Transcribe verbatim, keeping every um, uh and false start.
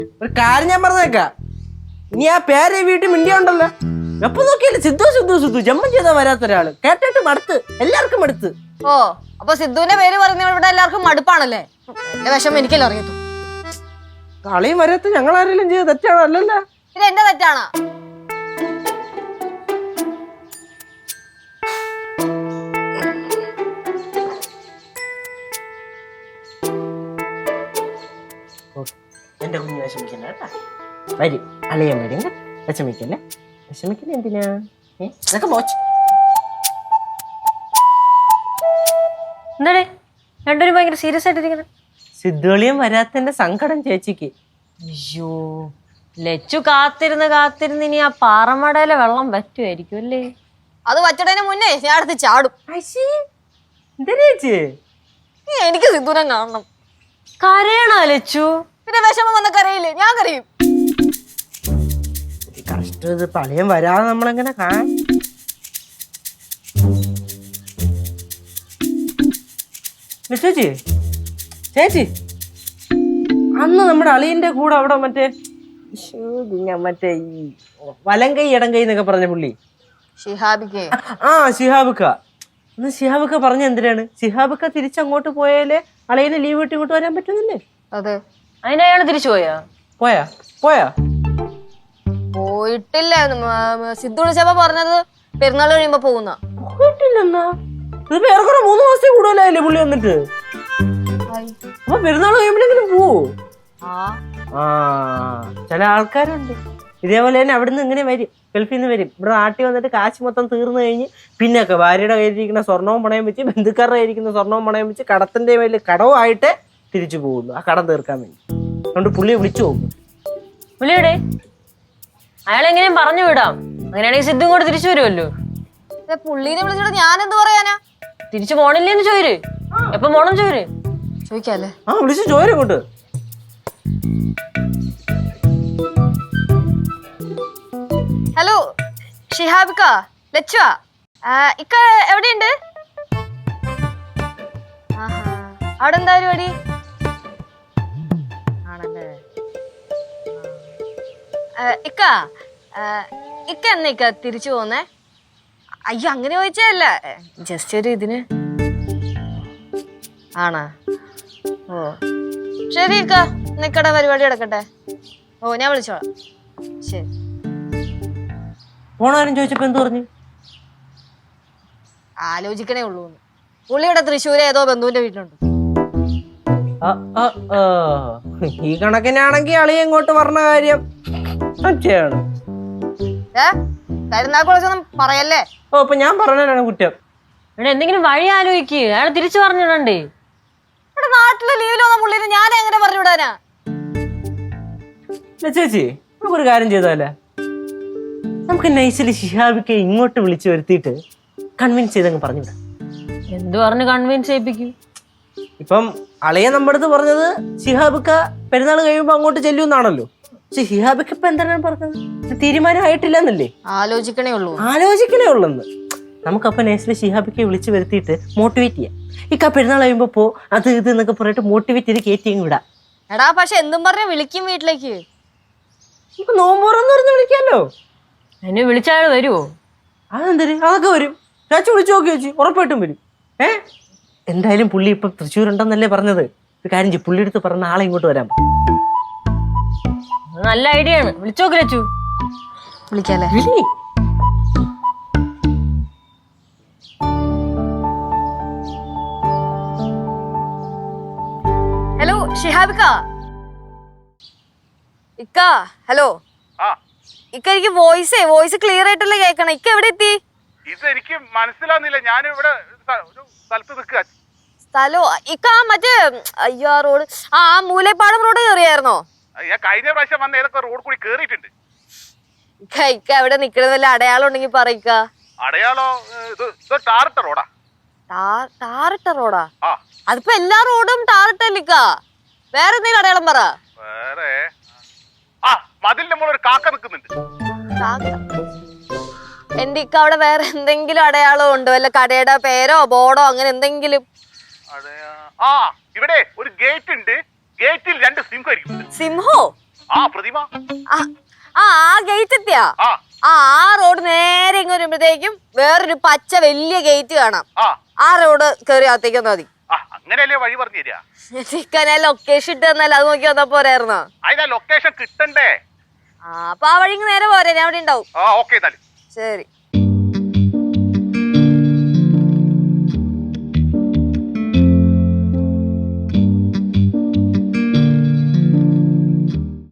ഒരു കാര്യം ഞാൻ പറഞ്ഞേക്കാം, ഇനി ആ പേരെ വീട്ടിൽ മിണ്ടിയ ഉണ്ടല്ലോ, എപ്പൊ നോക്കിയാലും സിദ്ധു സിദ്ധു സിദ്ധു ജമ്മം ചെയ്താ വരാത്ത ഒരാള്. കേട്ടിട്ട് മടുത്ത്, എല്ലാവർക്കും മടുത്ത്. ഓ അപ്പൊ സിദ്ധുവിന്റെ പേര് പറഞ്ഞ ഇവിടെ എല്ലാവർക്കും മടുപ്പാണല്ലേ? എന്റെ വിഷമം എനിക്കല്ലോ അറിയത്തു. കളിയും വരാത്ത ഞങ്ങൾ ആരെങ്കിലും ചെയ്ത് തെറ്റാണോ? അല്ലല്ല, ഇത് എന്റെ തെറ്റാണോ? എന്റെ കുഞ്ഞ് വിഷമിക്കണ്ട കേട്ടാ. വരും, അളിയൻ വരും. വിഷമിക്കല്ലേ, വിഷമിക്കല്ലേ എന്തിനാ? ഏതൊക്കെ മോച്ച് എന്താടേ രണ്ടുപേരും ഭയങ്കര സീരിയസ് ആയിട്ടിരിക്കുന്നത്? സിദ്ധുളിയും വരാത്തന്റെ സങ്കടം ചേച്ചിക്ക്. അയ്യോ, ലച്ചു കാത്തിരുന്ന് കാത്തിരുന്ന് ഇനി ആ പാറമടയിലെ വെള്ളം പറ്റുമായിരിക്കും അല്ലേ? അത് വച്ചടേന് മുന്നേ ഞാൻ അടുത്ത് ചാടും. ചേച്ചി എനിക്ക് സിദ്ധുനെ കാണണം. കരയണോ ലച്ചു? പിന്നെ വിഷമം വന്ന കരയില്ലേ? ഞാൻ കരയും. കഷ്ടം, ഇത് പളിയം വരാതെ നമ്മളെങ്ങനെ കാണാൻ? ചേച്ചി ചേച്ചി അന്ന് നമ്മുടെ അളിയന്റെ കൂടെ അവിടെ മറ്റേ മറ്റേ ഈ വലം കൈ ഇടം കൈ എന്നൊക്കെ പറഞ്ഞ പുള്ളി ഷിഹാബിക്ക്. ആ ഷിഹാബിക്ക. അന്ന് ഷിഹാബിക്ക പറഞ്ഞ എന്തിനാണ്? ഷിഹാബിക്ക തിരിച്ചങ്ങോട്ട് പോയാലേ അളിയന് ലീവ് വിട്ട് ഇങ്ങോട്ട് വരാൻ പറ്റുന്നില്ലേ? അതെ. അതിനയാള് തിരിച്ചു പോയാ? പോയാ പോയാ പോയിട്ടില്ല. സിദ്ധു വിളിച്ചപ്പോ പറഞ്ഞത് പെരുന്നാൾ കഴിയുമ്പോ പോകുന്ന. പോയിട്ടില്ലെന്നാ? ഇത് ഏറെക്കുറെ മൂന്ന് മാസത്തിൽ കൂടുതലായില്ലേ പുള്ളി വന്നിട്ട്? അപ്പൊ പെരുന്നാൾ കഴിയുമ്പോഴെങ്കിലും പോവോ? ആ ചില ആൾക്കാരുണ്ട് ഇതേപോലെ തന്നെ. അവിടുന്ന് ഇങ്ങനെ വരും, ഗൾഫിൽ നിന്ന് വരും, ഇവിടെ നാട്ടിൽ വന്നിട്ട് കാശ് മൊത്തം തീർന്നു കഴിഞ്ഞ് പിന്നൊക്കെ ഭാര്യയുടെ കയ്യിലിരിക്കുന്ന സ്വർണവും പണയം വെച്ച്, ബന്ധുക്കാരുടെ കയ്യിരിക്കുന്ന സ്വർണവും പണയം വെച്ച് കടത്തിന്റെ മേലിൽ കടവുമായിട്ട് തിരിച്ചു പോകുന്നു, ആ കടം തീർക്കാൻ വേണ്ടി. അതുകൊണ്ട് പുള്ളിയെ വിളിച്ചു പോകും. വിളിയടേ, അയാളെങ്ങനെയും പറഞ്ഞു വിടാം. അങ്ങനെയാണെങ്കിൽ സിദ്ധു കൂടെ തിരിച്ചു വരുമല്ലോ. പുള്ളീനെ വിളിച്ചിട്ട് ഞാൻ എന്ത് പറയാനാ? തിരിച്ചു പോണില്ലേന്ന് ചോര്. എപ്പൊ പോണം ചോര് ചോദിക്കാല്ലേ? ആ വിളിച്ചു ചോരും കൊണ്ട്. ഹലോ ഷിഹാബിക്ക, ലച്ചുവാ. ഇക്ക എവിടെയുണ്ട്? അവിടെ എന്താ പരിപാടി? ആണല്ലേ. ഇക്ക ഇക്ക എന്നാ ഇക്ക തിരിച്ചു പോന്നേ? അയ്യോ അങ്ങനെ ചോദിച്ചല്ല, ജസ്റ്റ് ഒരു ഇതിന്. ആണാ? ഓ ശരി ഇക്ക, നിക്കടെ പരിപാടി നടക്കട്ടെ. ഓ ഞാൻ വിളിച്ചോളാം. ശരി. പോണാരും ചോദിച്ചപ്പോ എന്ത് പറഞ്ഞു? ആലോചിക്കണേ ഉള്ളൂ. പുള്ളിയുടെ തൃശ്ശൂര് ഏതോ ബന്ധുവിന്റെ വീട്ടിലുണ്ട്. ഈ കണക്കിനാണെങ്കിൽ അളിയ ഇങ്ങോട്ട് പറഞ്ഞ കാര്യം സത്യമാണ്. ഏ കരുനാക്കുളൊന്നും പറയല്ലേ? ഓ ഇപ്പൊ ഞാൻ പറഞ്ഞാലാണ് കുറ്റം. ഇവിടെ എന്തെങ്കിലും വഴി ആലോചിക്ക്. അയാൾ തിരിച്ചു പറഞ്ഞിടണ്ടേ? ഇവിടെ നാട്ടിലെ ലീവിൽ വന്ന പുള്ളിനെ ഞാൻ എങ്ങനെ പറഞ്ഞു വിടാനാ? ചേച്ചി നമുക്കൊരു കാര്യം ചെയ്താലേ? നമുക്ക് നൈസില് ഷിഹാബിക്ക് ഇങ്ങോട്ട് വിളിച്ചു വരുത്തിയിട്ട് കൺവിൻസ് ചെയ്തങ്ങ് പറഞ്ഞു വിടാം. എന്ത് പറഞ്ഞ് കൺവിൻസ് ചെയ്യിപ്പിക്കും? ഇപ്പം അളിയ നമ്മുടെ അടുത്ത് പറഞ്ഞത് ഷിഹാബിക്ക പെരുന്നാൾ കഴിയുമ്പോ അങ്ങോട്ട് ചെല്ലുമെന്നാണല്ലോ. പക്ഷെ ഷിഹാബിക്ക ഇപ്പൊ എന്താണ് പറഞ്ഞത്? തീരുമാനമായിട്ടില്ല എന്നല്ലേ? ആലോചിക്കണേ ഉള്ളൂ. ആലോചിക്കണേ ഉള്ളെന്ന്. നമുക്കപ്പൊ നൈസില് ഷിഹാബിക്കെ വിളിച്ച് വരുത്തിയിട്ട് മോട്ടിവേറ്റ് ചെയ്യാം. ഇക്ക പെരുന്നാൾ കഴിയുമ്പോ പോ, അത് ഇത് എന്നൊക്കെ പറഞ്ഞിട്ട് മോട്ടിവേറ്റ് ചെയ്ത് കയറ്റി വിടാം. എടാ പക്ഷെ എന്തും പറഞ്ഞ് വിളിക്കും വീട്ടിലേക്ക്. ഇപ്പൊ നോമ്പോറന്ന് പറഞ്ഞ് വിളിക്കാമല്ലോ. എന്നെ വിളിച്ചയാൾ വരുവോ? അതെന്തര്? അതൊക്കെ വരും. ചാച്ചി വിളിച്ചു നോക്കി വെച്ച് ഉറപ്പായിട്ടും വരും. ഏ എന്തായാലും പുള്ളി ഇപ്പൊ തൃശ്ശൂരുണ്ടെന്നല്ലേ പറഞ്ഞത്. ഒരു കാര്യം ചെയ്യും, പുള്ളി എടുത്ത് പറഞ്ഞ ആളെ ഇങ്ങോട്ട് വരാം. നല്ല ഐഡിയ ആണ്. വിളിച്ചു നോക്കി ലച്ചു. വിളിക്കാല്ലേ? ഹലോ ഷിഹാബിക്ക. ഇക്ക ഹലോ. ഇക്ക എനിക്ക് വോയിസേ വോയിസ് ക്ലിയർ ആയിട്ടല്ലേ കേൾക്കണം. ഇക്ക എവിടെ എത്തി? ഇത് എനിക്ക് മനസ്സിലാവുന്നില്ല. ഞാൻ ഇവിടെ ഒരു സ്ഥലത്ത് നിൽക്കുക. സ്ഥലോ? ഇക്ക മറ്റേ അയ്യോ റോഡ്, ആ മൂലപ്പാടം റോഡ് കയറിയായിരുന്നോ? ഞാൻ കഴിഞ്ഞ പ്രാവശ്യം വന്ന ഏതൊക്കെ റോഡ് കൂടി കേറിയിട്ടുണ്ട്. ഇക്ക ഇക്ക എവിടെ നിക്കണത് വല്ല അടയാളം ഉണ്ടെങ്കിൽ പറയിക്ക. അടയാളോ? ഇത് ടാറിട്ട റോഡാ. ടാറിട്ട റോഡാ? അതിപ്പോ എല്ലാ റോഡും ടാറിട്ടല്ലിക്ക. വേറെ എന്തെങ്കിലും അടയാളം പറ. വേറെ ആ മതിലിന്റെ മുകളിൽ ഒരു കാക്ക നിൽക്കുന്നുണ്ട്. എന്റെ ഇക്ക അവിടെ വേറെ എന്തെങ്കിലും അടയാളം ഉണ്ടോ? വല്ല കടയുടെ പേരോ ബോർഡോ അങ്ങനെ എന്തെങ്കിലും? ആ ഇവിടെ ഒരു ഗേറ്റ് ഉണ്ട്. ഗേറ്റിൽ രണ്ട് സിംഹം ഇരിക്കുന്നുണ്ട്. സിംഹോ? ആ പ്രതിമ. ആ ആ ഗേറ്റ് എത്തിയാ ആ ആ ആ റോഡ് നേരെ ഇങ്ങ് വരുമ്പോഴത്തേക്കും വേറൊരു പച്ച വലിയ ഗേറ്റ് കാണാം. ആ ആ റോഡ് കയറി അകത്തേക്ക് വന്നാ മതി. ആ അങ്ങനെയല്ലേ വഴി പറഞ്ഞു തരിക. ചിക്കനെ ലൊക്കേഷൻ ഇട്ട് തന്നല്ല, അത് നോക്കി വന്നാ പോരായിരുന്നോ? അതിനാ ലൊക്കേഷൻ കിട്ടണ്ടേ? ആ അപ്പൊ ആ വഴി നേരെ പോരെ, ഞാൻ അവിടെ ഉണ്ടാവും. ആ ഓക്കെ എന്നാലും ശരി.